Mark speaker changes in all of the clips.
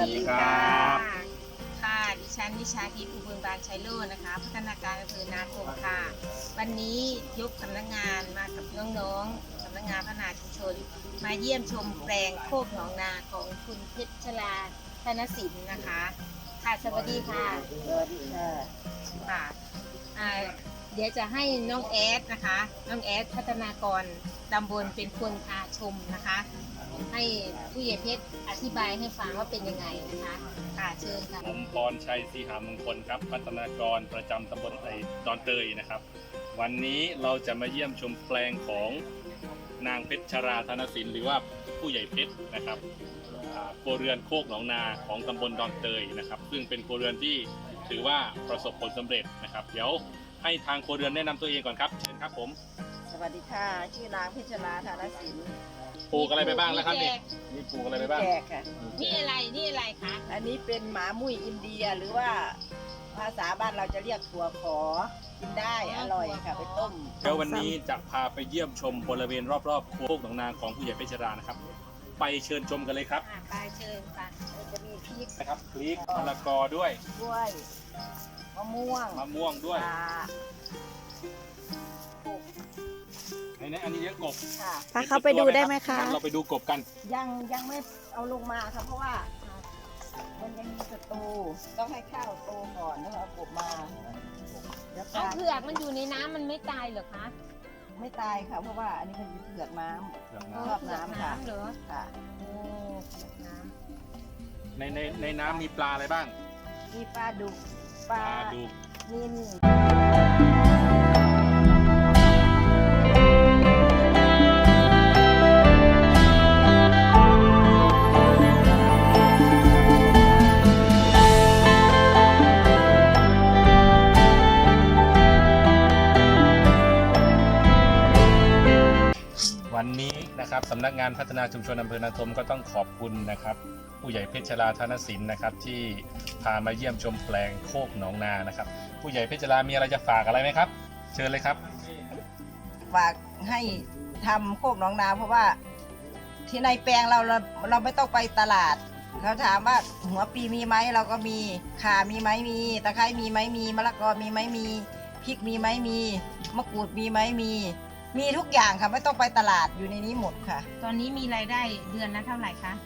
Speaker 1: ดีครับ
Speaker 2: ค่ะดิฉันนิชาทิพย์อุบลบานชัยโลนะคะพัฒนาการอำเภอนาทมค่ะวันนี้ยกสำนักงานมากับน้องๆสำนักงานพัฒนาชุมชนมาเยี่ยมชมแปลงโคกหนองนาของคุณเพชรชลาธนสินนะคะค่ะสวัสดีค่ะ
Speaker 1: สวัสดีค่ะ
Speaker 2: ค่ะเดี๋ยวจะให้น้องแอดนะคะน้องแอดพัฒนากรตำบลเป็นคนพาชมนะคะ ให้ผู้ใหญ่เพชรอธิบายให้ฟังว่าเป็นยังไงนะคะค่ะเชิญค่ะ
Speaker 3: ผมพรชัยศรีหามงคลครับพัฒนากรประจำตำบลดอนเตยนะครับวันนี้เราจะมาเยี่ยมชมแปลงของนางเพชรชราธนสินหรือว่าผู้ใหญ่เพชรนะครับครัวเรือนโคกหนองนาของตำบลดอนเตยนะครับซึ่งเป็นครัวเรือนที่ถือว่าประสบผลสำเร็จนะครับเดี๋ยวให้ทางครัวเรือนแนะนำตัวเองก่อนครับเชิญครับผม
Speaker 1: สวัสดีค่ะชื่อนางเพชรลาธนสิน
Speaker 3: ปลูกอะไรไปบ้างแล้วครับนี่มีปลูกอะไรไปบ้าง
Speaker 1: แขกค่ะ
Speaker 2: นี่อะไรคะ
Speaker 1: อันนี้เป็นหมามุ้ยอินเดียหรือว่าภาษาบ้านเราจะเรียกถั่วขอกินได้อร่อยค่ะไปต้ม
Speaker 3: เดี๋ยววันนี้จะพาไปเยี่ยมชมบริเวณรอบๆโคกหนองนาของผู้ใหญ่เพชรรานะครับไปเชิญชมกันเลยครับ
Speaker 2: ไปเชิญค่ะ
Speaker 1: จะมีพริก
Speaker 3: นะครับพริกมะละกอด้วย
Speaker 1: กล้วยมะม่วง
Speaker 3: มะม่วงด้วย
Speaker 1: ปลาปลูก
Speaker 3: ในอันนี้เยอะกบ
Speaker 1: ค่ะ
Speaker 4: พาเข้าไปดูได้ไหมคะ
Speaker 3: งั้นเราไปดูกบกัน
Speaker 1: ยังไม่เอาลงมาค่ะเพราะว่ามันยังมีศัตรูต้องให้ข้าวโตก่อนแล้วเอากบมาเดี๋ยว
Speaker 2: เอา
Speaker 1: ปลา
Speaker 2: เผือกมันอยู่ในน้ำมันไม่ตายเหรอคะ
Speaker 1: ไม่ตายค่ะเพราะว่าอันนี้มันเป็นเผือกน้ำ ชอบน้ำค่ะ
Speaker 2: เหรอ
Speaker 1: ค่ะ
Speaker 2: โอ้เผือกน้
Speaker 3: ในน้ำมีปลาอะไรบ้าง
Speaker 1: มีปลาดุกปลา
Speaker 3: ดุก
Speaker 1: นิล
Speaker 3: วันนี้นะครับสำนักงานพัฒนาชุมชนอำเภอนาทมก็ต้องขอบคุณนะครับผู้ใหญ่เพชรชราธนสินนะครับที่พามาเยี่ยมชมแปลงโคกหนองนานะครับผู้ใหญ่เพชรชรามีอะไรจะฝากอะไรไหมครับ เชิญเลยครับ
Speaker 1: ฝากให้ทำโคกหนองนาเพราะว่าที่ในแปลงเราไม่ต้องไปตลาดเขาถามว่าหัวปีมีไหมเราก็มีข่ามีไหมมีตะไคร้มีไหมมีมะละกอมีไหมมีพริกมีไหมมีมะกรูดมีไหมมีทุกอย่างค่ะไม่ต้องไปตลาดอยู่ในนี้หมดค่ะ
Speaker 2: ำตอนนี้มีรายได้เดือนละเท่าไหร่คะ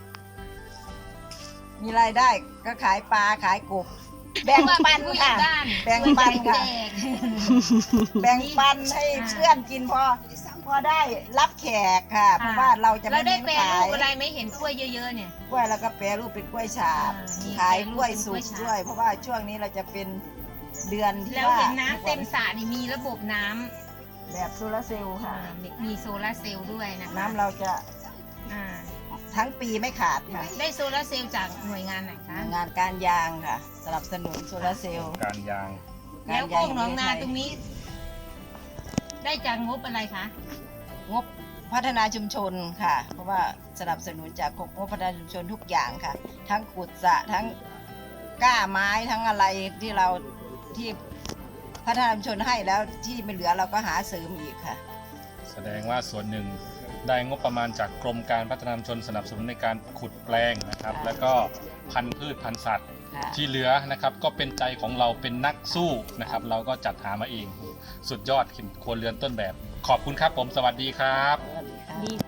Speaker 1: มีรายได้ก็ขายปลาขายกบแบ่งปัน
Speaker 2: ผู้ใหญ่
Speaker 1: ค่ะ
Speaker 2: บ้าน
Speaker 1: แบ่งปันค่ะ
Speaker 2: แจก
Speaker 1: แบ่งปันให้เพื่อนกินพอได้รับแขกค่ะเพราะว่าเราจะ
Speaker 2: เรา
Speaker 1: ไม่
Speaker 2: ได้
Speaker 1: เน้น
Speaker 2: แปล
Speaker 1: ขา
Speaker 2: รู
Speaker 1: ย
Speaker 2: ปอะไรไหม่เห็นกล้วยเยอะๆเนี่ย
Speaker 1: กล้วยแล้วก็แปรรูปเป็นกล้วยฉาบ
Speaker 2: นี่
Speaker 1: ขายกล้วย
Speaker 2: แปรรูปเป็น
Speaker 1: สุ
Speaker 2: กล้
Speaker 1: ก
Speaker 2: วยฉาบ
Speaker 1: ด้วย เพราะว่าช่วงนี้เราจะเป็นเดือนที่
Speaker 2: แล้ว
Speaker 1: ว่า
Speaker 2: เห็นน้ำเต็มสระนี่มีระบบน้ำ
Speaker 1: แบบโซลาร์เซลล์ค่ะ
Speaker 2: มีโซลาร์เซลล์ด้วยนะคะ
Speaker 1: น้ำเราจะ
Speaker 2: อ่า
Speaker 1: ทั้งปีไม่ขาดค่ะ
Speaker 2: ได้โซลาร์เซลล์จากหน่วยงานไหนคะ
Speaker 1: งานการยางค่ะสนับสนุนโซลาร์เซลล์
Speaker 3: การยาง
Speaker 2: แล้วโคกหนองนาตรงนี้ ได้จากงบอะไรคะ
Speaker 1: งบพัฒนาชุมชนค่ะ เพราะว่าสนับสนุนจากงบพัฒนาชุมชนทุกอย่างค่ะ ทั้งขุดสระทั้งก้าไม้ทั้งอะไรที่เราที่พัฒนาชุมชนให้แล้วที่ไม่เหลือเราก็หาเสริมอีกค่ะ
Speaker 3: แสดงว่าส่วนหนึ่งได้งบประมาณจากกรมการพัฒนาชุมชนสนับสนุนในการขุดแปลงนะครับ
Speaker 1: ค่ะ
Speaker 3: แล้วก็พันธุ์พืชพันธุ์สัตว์
Speaker 1: ค่ะ
Speaker 3: ที่เหลือนะครับก็เป็นใจของเราเป็นนักสู้นะครับ เราก็จัดหามาเอง สุดยอดครัวเรือนต้นแบบ ขอบคุณครับผมสวัสดีครับ
Speaker 1: สวัสดีค่ะ
Speaker 2: ดี